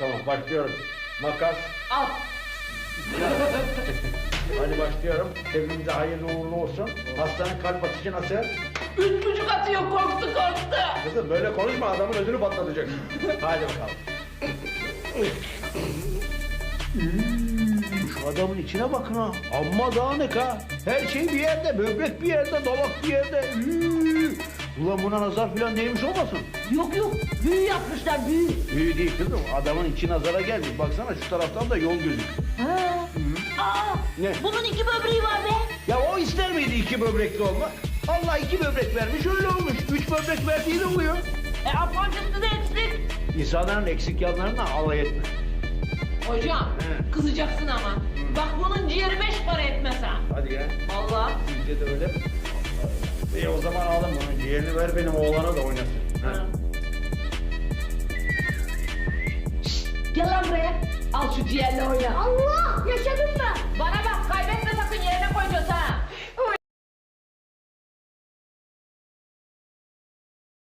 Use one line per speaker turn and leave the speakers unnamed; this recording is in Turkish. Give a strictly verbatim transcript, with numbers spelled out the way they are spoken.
Tamam başlıyorum. Makas.
Al.
Hadi başlıyorum. Hepimize hayırlı uğurlu olsun. Hastanın kalp atışı nasıl?
Üç buçuk atıyor, korktu korktu.
Kızım böyle konuşma, adamın ödünü patlatacak. Hadi bakalım.
Hmm, şu adamın içine bakın ha. Amma dağınık ha. Her şey bir yerde, böbrek bir yerde, dalak bir yerde. Hmm. Ulan buna nazar falan değmiş olmasın?
Yok yok, büyü yapmışlar, büyü.
İyi değil kızım. Adamın içi nazara gelmiş. Baksana şu taraftan da yol gözüküyor.
Ha. Aa,
Ne?
bunun iki böbreği var be.
Ya o ister miydi iki böbrekli olmak? Allah iki böbrek vermiş, öyle olmuş. Üç böbrek verdiği de oluyor.
E apancıklı da eksik.
İnsanların eksik yanlarına alay etme.
Hocam,
He.
kızacaksın ama. Bak bunun ciğeri beş para etmez ha.
Hadi ya.
Vallahi.
Sizce de öyle mi? İyi o zaman alın bunu. Ciğerini ver benim oğlana da oynasın. Ha.
Gel lan buraya. Al şu ciğerle oyna.
Allah! Yaşadım ben.